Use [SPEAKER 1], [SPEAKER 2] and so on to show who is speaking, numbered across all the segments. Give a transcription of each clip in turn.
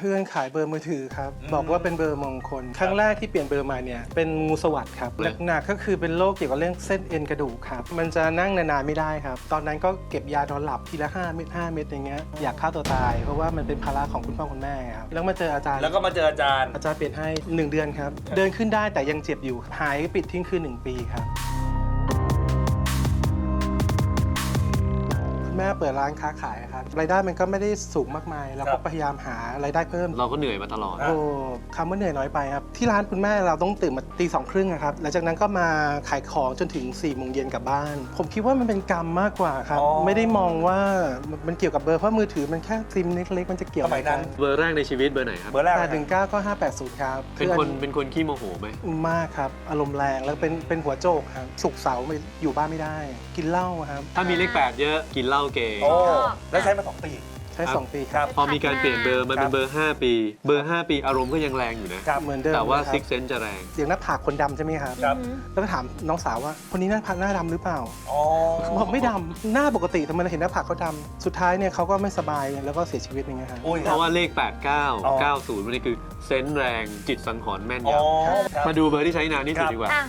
[SPEAKER 1] พื่อนขายเบอร์มือถือครับบอกว่าเป็นเบอร์มงคลครั้งแรกที่เปลี่ยนเบอร์มาเนี่ยเป็นงูสวัสด์ครับหนักๆก็คือเป็นโรคเกี่ยวกับเรื่องเส้นเอ็นกระดูกครับมันจะนั่งนานๆไม่ได้ครับตอนนั้นก็เก็บยานอนหลับทีละ5 เม็ดอย่างเงี้ยอยากฆ่าตัวตายเพราะว่ามันเป็นภาระของคุณพ่อคุณแม่ครับแล้วมาเจออาจารย์อาจารย์เปลี่ยนให้1 เดือนครับเดินขึ้นได้แต่ยังเจ็บอยู่หายปิดทิ้งคือ1 ปีครับแม่เปิดร้านค้าขายครับรายได้มันก็ไม่ได้สูงมากมายเราก็พยายามหารายได้เพิ่ม
[SPEAKER 2] เราก็เหนื่อยมาตลอด
[SPEAKER 1] โอ้คำว่าเหนื่อยน้อยไปครับที่ร้านคุณแม่เราต้องตื่นมาตี 2:30ครับหลังจากนั้นก็มาขายของจนถึง4 โมงเย็นกลับบ้านผมคิดว่ามันเป็นกรรมมากกว่าครับไม่ได้มองว่ามันเกี่ยวกับเบอร์เพราะมือถือมันแค่ซิมเล็กๆมันจะเกี่ยวอะไรกัน
[SPEAKER 2] เบอร์แรกในชีวิตเบอร์ไหนครับ
[SPEAKER 1] เบอร์แรก819ก็580ครับ
[SPEAKER 2] เป็นคนขี้โมโหไหม
[SPEAKER 1] มากครับอารมณ์แรงแล้วเป็นหัวโจกครับศุกร์เสาร์อยู่บ้านไม่ได้กินเหล้าครับ
[SPEAKER 2] ถ้ามีเลข8เยอะกินเหล้าเก่ง
[SPEAKER 3] แล้วใช้มา2 ปี
[SPEAKER 1] ใช้2 ปีครับ
[SPEAKER 2] พอมีการเปลี่ยนเบอร์มันเป็นเบอร์5 ปีเบอร์5 ปีอารมณ์ก็ยังแรงอยู่นะ
[SPEAKER 1] เหมือนเดิม
[SPEAKER 2] แต่ว่าซิกเซนจะแรง
[SPEAKER 1] เสียงหน้าผากคนดำใช่ไหมครับแล้วก็ถามน้องสาวว่าคนนี้หน้าผากหน้าดำหรือเปล่าบอกไม่ดำหน้าปกติทำไมเราเห็นหน้าผากเขาดำสุดท้ายเนี่ยเขาก็ไม่สบายแล้วก็เสียชีวิตอย่างเงี้ยครับ
[SPEAKER 2] เพราะว่าเลข89 90มันนี่คือเซนส์แรงจิตสังหรณ์แม่นยำมาดูเบอร์ที่ใช้นานที่สุดดีกว่า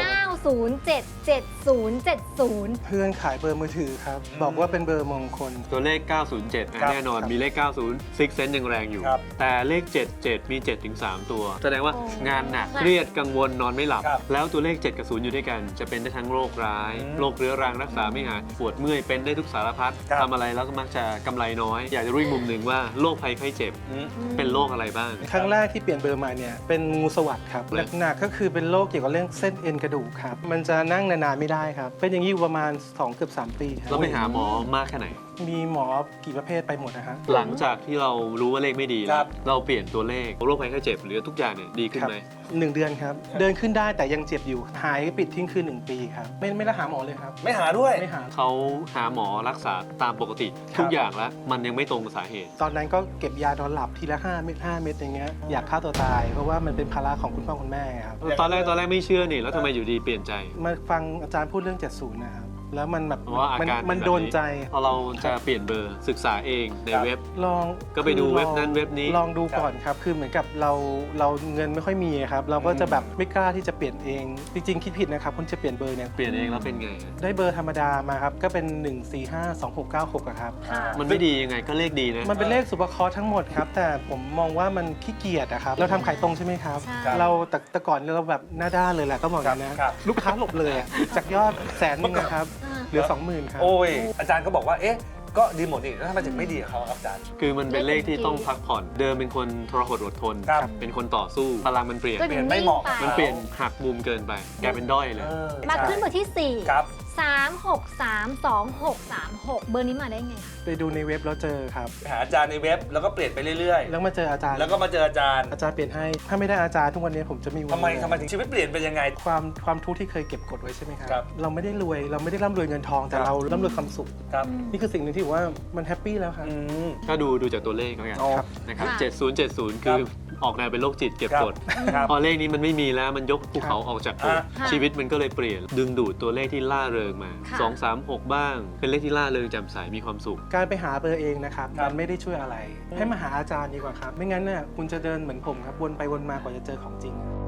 [SPEAKER 4] 9077070
[SPEAKER 1] เพื่อนขายเบอร์มือถือครับบอกว่าเป็นเบอร์มงคล
[SPEAKER 2] ตัวเลข907แน่นอนมีเลข90ซิกเซนยังแรงอยู่แต่เลข77มี7 ถึง 3 ตัวแสดงว่างานหนักเครียดกังวลนอนไม่หลับแล้วตัวเลข7 กับ 0อยู่ด้วยกันจะเป็นได้ทั้งโรคร้ายโรคเรื้อรังรักษาไม่หายปวดเมื่อยเป็นได้ทุกสารพัดทำอะไรแล้วก็มักจะกำไรน้อยอยากจะรู้อีกมุมหนึ่งว่าโรคภัยไข้เจ็บเป็นโรคอะไรบ้าง
[SPEAKER 1] ครั้งแรกที่เปลี่ยนเบอร์มาเนี่ยเป็นงูสวัสด์ครับหนักๆก็คือเป็นโรคเกี่ยวกับเรื่องเส้นเอ็นกระดูกครับมันจะนั่งนานๆไม่ได้ครับเป็นอย่างนี้อยู่ประมาณ2 เกือบ 3 ปีครับ
[SPEAKER 2] เราไปหาหมอมากแค่ไหน
[SPEAKER 1] มีหมอกี่ประเภทไปหมดนะฮะ
[SPEAKER 2] หลังจากที่เรารู้ว่าเลขไม่ดีแล้วเราเปลี่ยนตัวเลขโรคภัยไข้เจ็บหรือทุกอย่างเนี่ยดีขึ้นไหม
[SPEAKER 1] 1 เดือนครับเดินขึ้นได้แต่ยังเจ็บอยู่หายปิดทิ้งคือ1 ปีครับไม่ได้หาหมอเลยครับ
[SPEAKER 3] ไม่หาด้วย
[SPEAKER 1] ไม่หา
[SPEAKER 2] เขาหาหมอรักษาตามปกติทุกอย่างแล้วมันยังไม่ตรงกับสาเหตุ
[SPEAKER 1] ตอนนั้นก็เก็บยานอนหลับทีละ5 เม็ดอย่างเงี้ยอยากฆ่าตัวตายเพราะว่ามันเป็นภาระของคุณพ่อคุณแม่ครับ
[SPEAKER 2] ตอนแรกไม่เชื่อนี่แล้วทำไมอยู่ดีเปลี่ยนใจ
[SPEAKER 1] มาฟังอาจารย์พูดเรื่อง70นะครับแล้วมันแบบมันโดนใจ
[SPEAKER 2] พอเราจะเปลี่ยนเบอร์ศึกษาเองในเว็บ
[SPEAKER 1] ลอง
[SPEAKER 2] ก็ไปดูเว็บนั้นเว็บนี้
[SPEAKER 1] ลองดูก่อนครับคือเหมือนกับเราเงินไม่ค่อยมีครับเราก็จะแบบไม่กล้าที่จะเปลี่ยนเองจริงๆคิดผิดนะครับคนจะเปลี่ยนเบอร์เนี่ย
[SPEAKER 2] เปลี่ยนเองแล้วเป็นไง
[SPEAKER 1] ได้เบอร์ธรรมดามาครับก็เป็น1452696ครับ
[SPEAKER 2] มันไม่ดียังไงก็เลขดีนะ
[SPEAKER 1] มันเป็นเลขสุภเคราะห์ทั้งหมดครับแต่ผมมองว่ามันขี้เกียจอะครับเราทำขายตรงใช่ไหมครับเราแต่ก่อนเราแบบหน้าด้านเลยแหละก็บอกอย่างนั้นนะลูกค้าหลบเลยจากยอด100,000นะครับเหลือ 20,000 ครับ
[SPEAKER 3] โอ้ยอาจารย์ก็บอกว่าเอ๊ะก็ดีหมดนี่แล้วทำไมถึงไม่ดีกับเขาครับอาจารย์
[SPEAKER 2] คือมันเป็นเลขที่ต้องพักผ่อนเดิมเป็นคนทรหดอดทนเป็นคนต่อสู้พลังมันเปลี่ยน
[SPEAKER 3] ไม่เหมาะ
[SPEAKER 2] มันเปลี่ยนหักมุมเกินไปกลายเป็นด้อยเลย
[SPEAKER 4] มาขึ้นเบอร์ที่4
[SPEAKER 3] ครับ
[SPEAKER 4] 3632636เบอร์นี้มาได้ไงคะ
[SPEAKER 1] ไปดูในเว็บแล้วเจอครับ
[SPEAKER 3] หาอาจารย์ในเว็บแล้วก็เปลี่ยนไปเรื่อย
[SPEAKER 1] ๆแล้วมาเจออาจารย์
[SPEAKER 3] แล้วก็มาเจออาจารย์
[SPEAKER 1] เปลี่ยนให้ถ้าไม่ได้อาจารย์ทุกวันนี้ผมจะไม่
[SPEAKER 3] ทำไมถึงชีวิตเปลี่ยนไปยังไง
[SPEAKER 1] ความทุกข์ที่เคยเก็บกดไว้ใช่ไหมครับเราไม่ได้รวยเราไม่ได้ร่ำรวยเงินทองแต่เราร่ำรวยความสุขนี่คือสิ่งหนึ่งที่ว่ามันแฮปปี้แล้วครับ
[SPEAKER 2] ถ้าดูจากตัวเลขแล้วกันนะครับ7070คือออกแนวเป็นโรคจิตเก็บกดพอเลขนี้มันไม่มีแล้วมันยกภูเขาออกจากอกชีวิตมันก็เลยเปลี่ยนดึงดูดตัวเลขที่ล่าเริงมา236บ้างเป็นเลขที่ล่าเริงแจ่มใสมีความสุข
[SPEAKER 1] การไปหาเบอร์เองนะครับมันไม่ได้ช่วยอะไรให้มาหาอาจารย์ดีกว่าครับไม่งั้นเนี่ยคุณจะเดินเหมือนผมครับวนไปวนมากว่าจะเจอของจริง